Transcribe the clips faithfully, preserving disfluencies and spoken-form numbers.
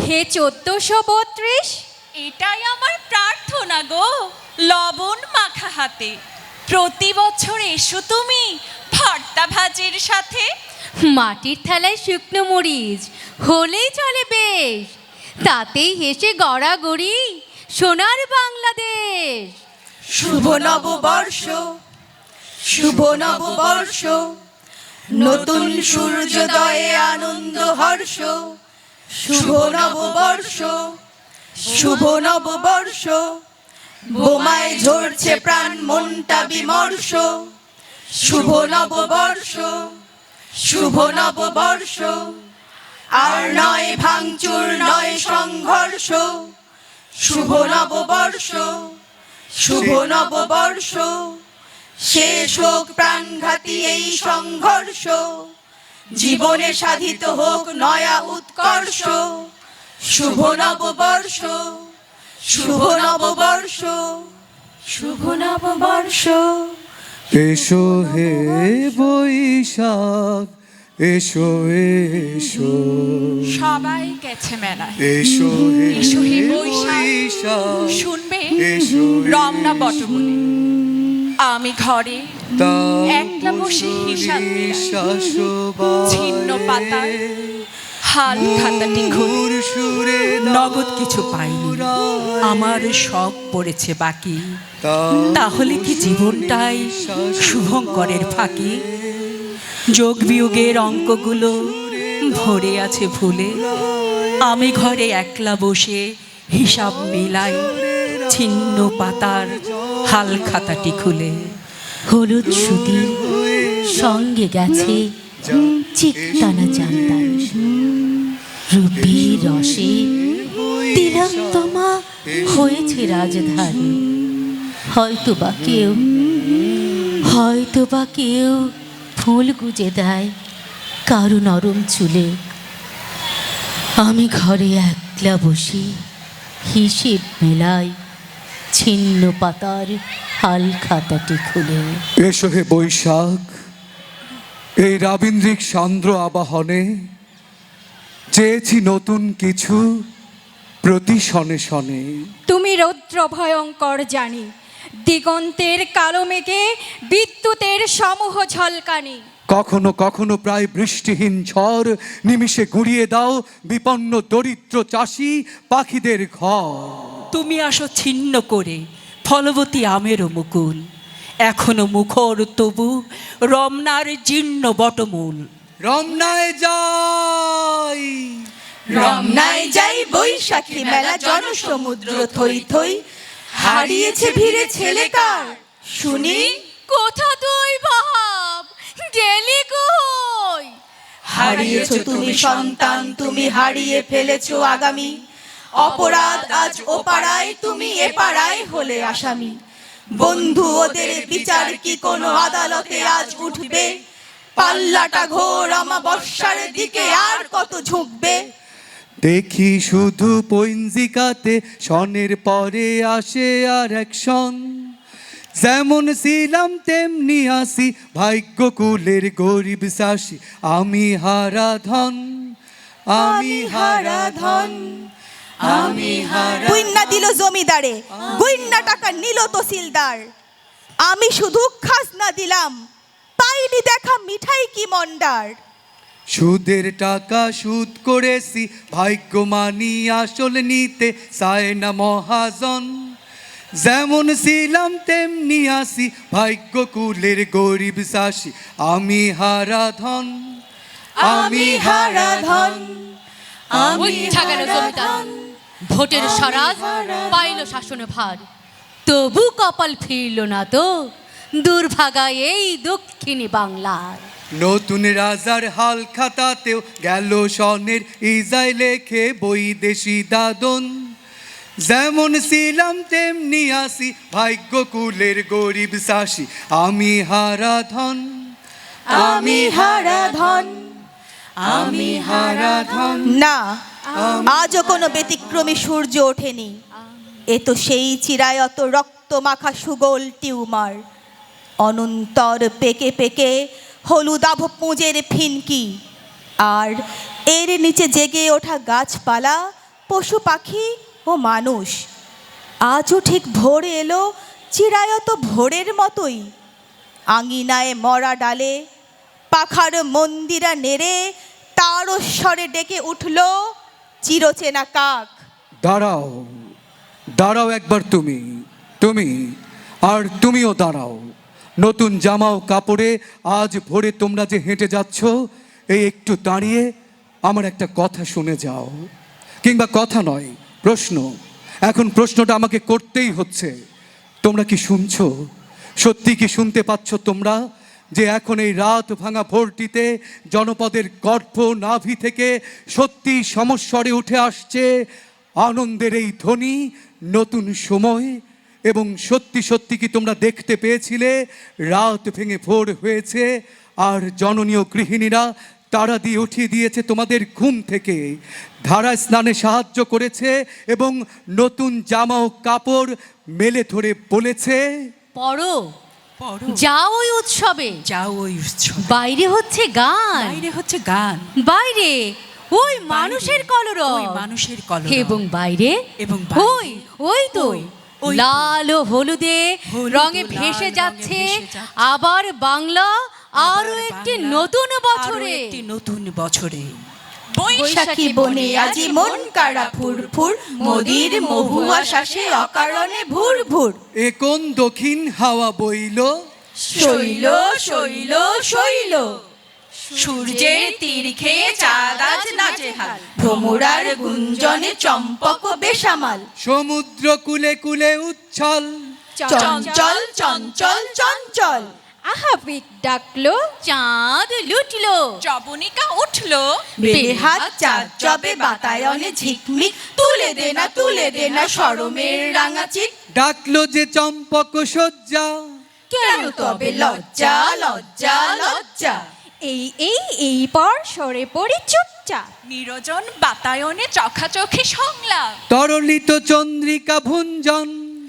হে চোদ্দশো বত্রিশ, এটাই আমার প্রার্থনা গো, লবণ মাখা হাতে প্রতি বছর এসো তুমি ভর্তা ভাজির সাথে। মাটির থালায় শুকনো মরিচ হলেই চলে বেশ, তাতেই হেসে গড়াগড়ি সোনার বাংলাদেশ। শুভ নববর্ষ, শুভ নববর্ষ, নতুন সূর্যোদয়ে আনন্দ হর্ষ। শুভ নববর্ষ, শুভ নববর্ষ, বোমায় ঝরছে প্রাণ মনটা বিমর্ষ। শুভ নববর্ষ, শুভ নববর্ষ, আর নয় ভাঙচুর নয় সংঘর্ষ। শুভ নববর্ষ, শুভ নববর্ষ, শেষ হোক প্রাণঘাতী এই সংঘর্ষ। জীবনে সাধিত হোক নয়া উৎকর্ষ। শুভ নববর্ষ, শুভ নববর্ষ, শুভ নববর্ষ। এসো হে বৈশাখ, এসো এসো, সবাই গেছে মেলায়, এসো হে এসো হে বৈশাখ, বৈশাখ, শুনবে এসো হে রমনা বটমূলে। আমি ঘরে তাও একলা বসে হিসাব মিলাই, শাশ্ববায় ছিন্ন পাতায় হাল খাতাটি খুলে। সুরে নগদ কিছু পাইনি, আমার সব পড়েছে বাকি। তাহলে কি জীবনটাই শুভঙ্করের ফাঁকি? যোগ বিয়োগের অঙ্কগুলো ভরে আছে ভুলে, আমি ঘরে একলা বসে হিসাব মেলাই, ছিন্ন পাতার হাল খাতাটি খুলে। হলুদ সুতি সঙ্গে গেছে চিকটানা জানতাম, রুবি রসে তিলোত্তমা হয়েছে রাজধানী। হয়তো বা কেউ, হয়তো বা কেউ ফুল গুজে দেয় কারো নরম চুলে। আমি ঘরে একলা বসি হিসেব মেলাই, ছিন্ন পাতার হাল খাতাটি খুলে। এসো হে বৈশাখ, এই রাবীন্দ্রিক সান্দ্র আবাহনে চেয়েছি নতুন কিছু প্রতি শনে শনে। তুমি রৌদ্র ভয়ঙ্কর জানি, দিগন্তের কালো মেঘে বিদ্যুতের সমূহ ঝলকানি। কখনো কখনো প্রায় বৃষ্টিহীন ঝড় নিমিষে গুঁড়িয়ে দাও বিপন্ন দরিদ্র চাষি পাখিদের ঘর। তুমি আসো ছিন্ন করে ফলবতী আমেরও মুকুল, এখনো মুখর তবু রমনার জীর্ণ বটমূল। রমনায় যাই, রমনায় যাই বৈশাখী মেলা জনসমুদ্র থই থই, হারিয়েছে ভিড়ে ছেলে কার শুনি। কোথা তুই ভাব গেলি কই? হারিয়েছো তুমি সন্তান, তুমি হারিয়ে ফেলেছো আগামী। অপরাধ আজ ও পাড়ায়, তুমি এ পাড়ায় হলে আসামি। বন্ধু ওদের বিচার কি কোনো আদালতে আজ উঠবে? পাল্লাটা ঘোর অমাবস্যার দিকে আর কত ঝুঁকবে? দেখি শুধু পঞ্জিকাতে সনের পরে আসে আর একশন। যেমন ছিলাম তেমনি আসি, ভাগ্য কুলের গরিব চাষি আমি হারা ধন, আমি হারা ধন, আমি হারা। গুইন্না দিল জমিদারে, গুইন্না টাকা নিল তহসিলদার। আমি শুধু খাজনা দিলাম, পাইনি দেখা মিঠাই কি মন্ডার। সুদের টাকা সুদ করেছি, ভাগ্য মানি আসল নিতে চায় না মহাজন। যেমন ছিলাম তেমনি আসি, ভাগ্য কুলের গরিব চাষি আমি হারা ধন, আমি হারা ধন, আমি গেল জমিদার, ভোটের স্বরাজ পাইল শাসনে ভার, তবু কপাল ফিরল না তো দুর্ভাগা এই দক্ষিণী বাংলার। নতুন রাজার হাল খাতাতেও গেল সনের ইজাই লেখে বৈদেশি দাদন। যেমন ছিলাম তেমনি আসি, ভাগ্য কুলের গরিব চাষি আমি হারা ধন, আমি হারা ধন, আমি হারা ধন। না, আজও কোনো ব্যতিক্রমী সূর্য ওঠেনি। এ তো সেই চিরায়ত রক্ত মাখা সুগোল টিউমার, অনন্তর পেকে পেকে হলুদাভ পুঁজের ফিনকি। আর এর নিচে জেগে ওঠা গাছপালা পশু পাখি ও মানুষ। আজও ঠিক ভোর এলো চিরায়ত ভোরের মতোই। আঙিনায় মরা ডালে পাখার মন্দিরা নেড়ে তারস্বরে ডেকে উঠল চিরচেনা কাক। দাঁড়াও, দাঁড়াও একবার তুমি, তুমি আর তুমিও দাঁড়াও। নতুন জামা ও কাপড়ে আজ ভোরে তোমরা যে হেঁটে যাচ্ছ, এই একটু দাঁড়িয়ে আমার একটা কথা শুনে যাও। কিংবা কথা নয়, প্রশ্ন। এখন প্রশ্নটা আমাকে করতেই হচ্ছে। তোমরা কি শুনছো? সত্যি কি শুনতে পাচ্ছ তোমরা যে এখন এই রাত ভাঙা ভোরটিতে জনপদের গর্ভ নাভি থেকে সত্যি সমস্বরে উঠে আসছে আনন্দের এই ধ্বনি, নতুন সময়? এবং সত্যি সত্যি কি তোমরা দেখতে পেয়েছিলে রাত ভেঙে ভোর হয়েছে আর জননীয় গৃহিণীরা তারা দিয়ে উঠিয়ে দিয়েছে তোমাদের ঘুম থেকে, ধারা স্নানে সাহায্য করেছে এবং নতুন জামা ও কাপড় মেলে ধরে বলেছে, পড়ো, পড়ো, যাও ওই উৎসবে, যাও ওই উৎসব। বাইরে হচ্ছে গান, বাইরে হচ্ছে গান, বাইরে ওই মানুষের কলরব, ওই মানুষের কলরব। এবং বাইরে এবং বাইরে ওই ওই তো ওই, ওই তো। লাল ও হলুদে হলুদ ও রঙে লাল ভেসে রঙে যাচ্ছে ভেসে যাচ্ছে। আবার বাংলা আবার আরো একটি বাংলা, নতুন আরো বছরে। একটি নতুন বছরে। বৈশাখী বনে আজি মন কাড়া ফুর ফুর, মোদির মহুয়া শ্বাসে অকারণে ভুর ভুর। এ কোন দক্ষিণ হাওয়া বইল, শৈল শৈল শৈল, সূর্যের তীর খেয়ে চাঁদ আজ নাচে হাল। ভ্রমরার গুঞ্জনে চম্পক বেসামাল। সমুদ্র কুলে কুলে উচ্ছল, চঞ্চল চঞ্চল চঞ্চল। আহাবিক ডাকলো, চাঁদ লুটলো, জবনিকা উঠলো, বেহাত চাঁদ জবে বাতায়নে ঝিকমিক, তুলে দে না তুলে দে না শরমের রাঙা চিক। ডাকলো যে চম্পক সজ্জা, কেন তবে লজ্জা লজ্জা লজ্জা। এই এই এই পর সরে পড়ি চুপচাপ। নিরজন বাতায়নে চোখাচোখি সংলাপ, তরলিত চন্দ্রিকা ভুঞ্জন,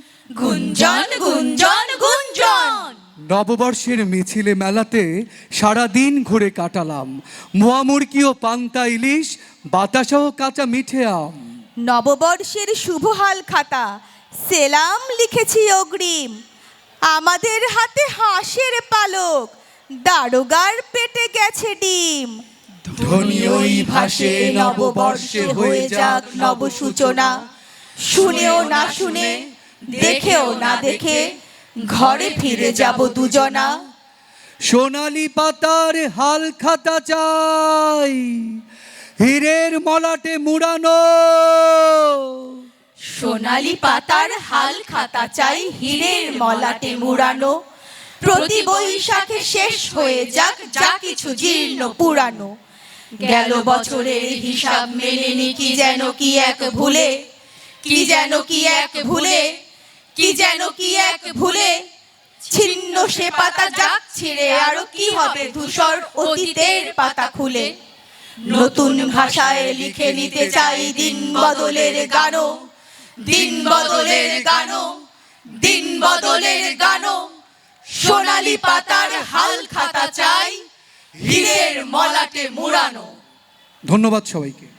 গুঞ্জন গুঞ্জন গুঞ্জন। নববর্ষের মিছিলে মেলাতে সারাদিন ঘুরে কাটালাম। মোয়ামুরকি ও পান্তা ইলিশ, বাতাসাও কাঁচা মিঠে আম। নববর্ষের শুভ হাল খাতা সেলাম লিখেছি অগ্রিম। আমাদের হাতে হাঁসের পালক, দারোগার পেটে গেছে ডিম। ধ্বনি ওই ভাসে নববর্ষে হয়ে যাক নব সূচনা। শুনেও না শুনে দেখেও না দেখে ঘরে ফিরে যাব দুজনা। সোনালি পাতার হাল খাতা চাই, হীরের মলাটে মুড়ানো। সোনালি পাতার হাল খাতা চাই হীরের মলাটে মুড়ানো। প্রতি বৈশাখে শেষ হয়ে যাক যা কিছু জীর্ণ পুরানো। গেল বছরের হিসাব মেলেনি কি যেন কি এক ভুলে, কি যেন কি এক ভুলে, কি যেন কি এক ভুলে। ছিন্ন সে পাতা যাক ছিঁড়ে, আরো কি হবে ধূসর অতীতের পাতা খুলে। নতুন ভাষায় লিখে নিতে চাই দিন বদলের গানও, দিন বদলের গানও, দিন বদলের গানও। সোনালি পাতার হাল খাতা চাই হীরের মলাটে মুড়ানো। ধন্যবাদ সবাইকে।